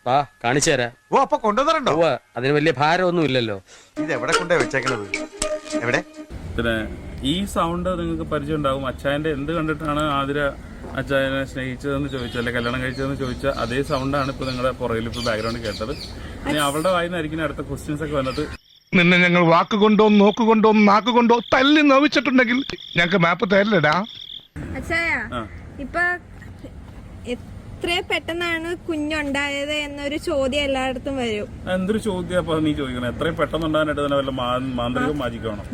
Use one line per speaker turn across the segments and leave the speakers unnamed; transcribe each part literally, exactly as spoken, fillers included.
വാ കാണിച്ചു തരാം.
ഓ അപ്പൊ കൊണ്ടുവന്നിട്ടുണ്ടോ?
അതിന് വലിയ ഭാരമൊന്നും ഇല്ലല്ലോ.
ഇത് എവിടെ കൊണ്ടേ വെച്ചേക്കണത്? എവിടെ?
പിന്നെ ഈ സൗണ്ട് നിങ്ങൾക്ക് പരിചയം ഉണ്ടാകും. അച്ചായന്റെ എന്ത് കണ്ടിട്ടാണ് ആതിര അച്ചായനെ സ്നേഹിച്ചതെന്ന് ചോദിച്ചാൽ അല്ലെ കല്യാണം കഴിച്ചതെന്ന് ചോദിച്ചാൽ അതേ സൗണ്ടാണ് ഇപ്പൊ നിങ്ങളുടെ പുറകിൽ ഇപ്പൊ ബാക്ക്ഗ്രൗണ്ടിൽ കേട്ടത്. ഇനി അവളുടെ വായിന്നായിരിക്കും അടുത്ത ക്വസ്റ്റ്യൻസ് ഒക്കെ വന്നത്.
നിന്നെ ഞങ്ങൾ വാക്കുകൊണ്ടോ നോക്കുകൊണ്ടോ നാക്കുകൊണ്ടോ തല്ലി നോവിച്ചിട്ടുണ്ടെങ്കിൽ ഞങ്ങൾക്ക് മാപ്പ് തരില്ലടാ.
അച്ചായ ഇപ്പൊ എത്ര പെട്ടെന്നാണ് കുഞ്ഞുണ്ടായത് എന്നൊരു ചോദ്യം എല്ലായിടത്തും വരും.
എന്തൊരു ചോദ്യം അപ്പൊ നീ ചോദിക്കണം? എത്രയും പെട്ടെന്നുണ്ടാകാനായിട്ട് തന്നെ വല്ല മാന്ത്രികം മാജിക്കണം.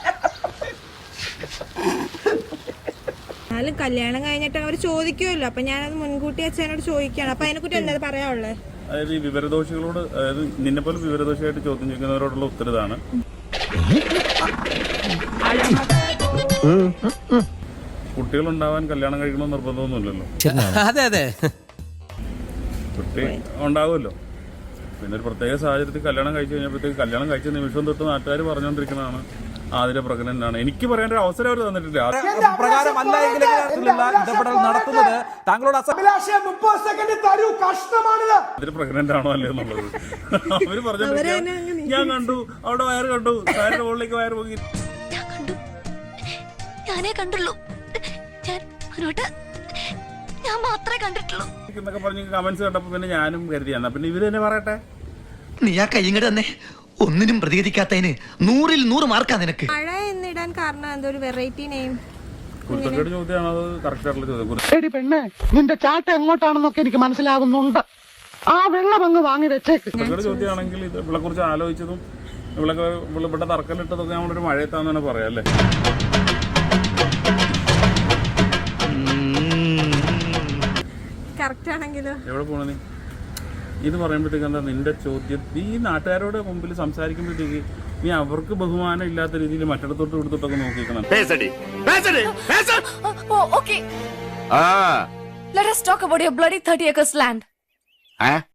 എന്നാലും കല്യാണം കഴിഞ്ഞിട്ട് അവർ ചോദിക്കുമല്ലോ, അപ്പൊ ഞാനത് മുൻകൂട്ടി അച്ഛനോട് ചോദിക്കുകയാണ്. അപ്പൊ അതിനെക്കുറിച്ച് എന്താ പറയാനുള്ളത്?
അതായത് ഈ വിവരദോഷികളോട്, അതായത് നിന്നെ പോലെ വിവരദോഷിയായിട്ട് ചോദ്യം ചോദിക്കുന്നവരോടുള്ള ഉത്തരതാണ്. കുട്ടികളുണ്ടാവാൻ കല്യാണം കഴിക്കണമെന്ന് നിർബന്ധമൊന്നുമില്ലല്ലോ.
അതെ അതെ
കുട്ടി ഉണ്ടാവുമല്ലോ. പിന്നെ ഒരു പ്രത്യേക സാഹചര്യത്തിൽ കല്യാണം കഴിച്ചു കഴിഞ്ഞപ്പോഴത്തേക്ക് കല്യാണം കഴിച്ച നിമിഷം തൊട്ട് നാട്ടുകാർ പറഞ്ഞുകൊണ്ടിരിക്കുന്നതാണ് ആതിര പ്രഗ്നന്റ് ആണ്. എനിക്ക് പറയാൻ ഒരു അവസരം അവർ തന്നിട്ടില്ല.
പ്രകാരമല്ല എങ്കിലുള്ള ഇടപെടൽ നടത്തുന്നത് താങ്കളോട്
ആതിര പ്രഗ്നന്റ് ആണോ അല്ലേ എന്നുള്ളത് അവര് പറഞ്ഞോണ്ടിരിക്കുക. ഞാൻ കണ്ടു അവിടെ വയറ് കണ്ടു, സാറിന്റെ മുകളിലേക്ക് വയറ് പോയി.
ഞാനേ കണ്ടുള്ളൂ, ഞാൻ മാത്രമേ കണ്ടിട്ടുള്ളൂ
എന്നൊക്കെ പറഞ്ഞ് കമന്റ്സ് കണ്ടപ്പോ പിന്നെ ഞാനും കരുതി എന്നാ പിന്നെ ഇവര് തന്നെ പറയട്ടെ.
നീ ആ കൈങ്ങട് തന്നെ ഒന്നിനും പ്രതികരിക്കാത്തതിന് നൂറിൽ നൂറ് മാർക്കാ നിനക്ക്.
മഴ എന്നിടാൻ കാരണം എന്തൊരു വെറൈറ്റി നെയിം?
കുരുത്തക്കേട് ചോദ്യമാണ് അത്. കറക്റ്റ് ആയിട്ടുള്ള ചോദ്യം.
എടി പെണ്ണെ, നിന്റെ ചാട്ട എങ്ങോട്ടാണെന്നൊക്കെ എനിക്ക് മനസ്സിലാകുന്നുണ്ട്. ആ വെള്ളം അങ്ങ് വാങ്ങി വെച്ചേക്ക്.
കുരുത്തക്കേട് ചോദ്യമാണെങ്കിൽ ഇത് ഇവളെ കുറിച്ച് ആലോചിച്ചതും ഇവളൊക്കെ ഇവിടെ തറക്കല്ലിട്ടതൊക്കെ നമ്മളൊരു മഴയത്താന്ന് പറയാം അല്ലേ? എവിടെ പോണ നീ ഇത് പറയുമ്പോഴത്തേക്ക് എന്താ നിന്റെ ചോദ്യം? ഈ നാട്ടുകാരോട് മുമ്പിൽ സംസാരിക്കുമ്പോഴത്തേക്ക് നീ അവർക്ക് ബഹുമാനം ഇല്ലാത്ത രീതിയിൽ മറ്റിടത്തോട്ട് കൊടുത്തിട്ടൊക്കെ നോക്കിക്കണം.
Let us talk about your bloody thirty acres land.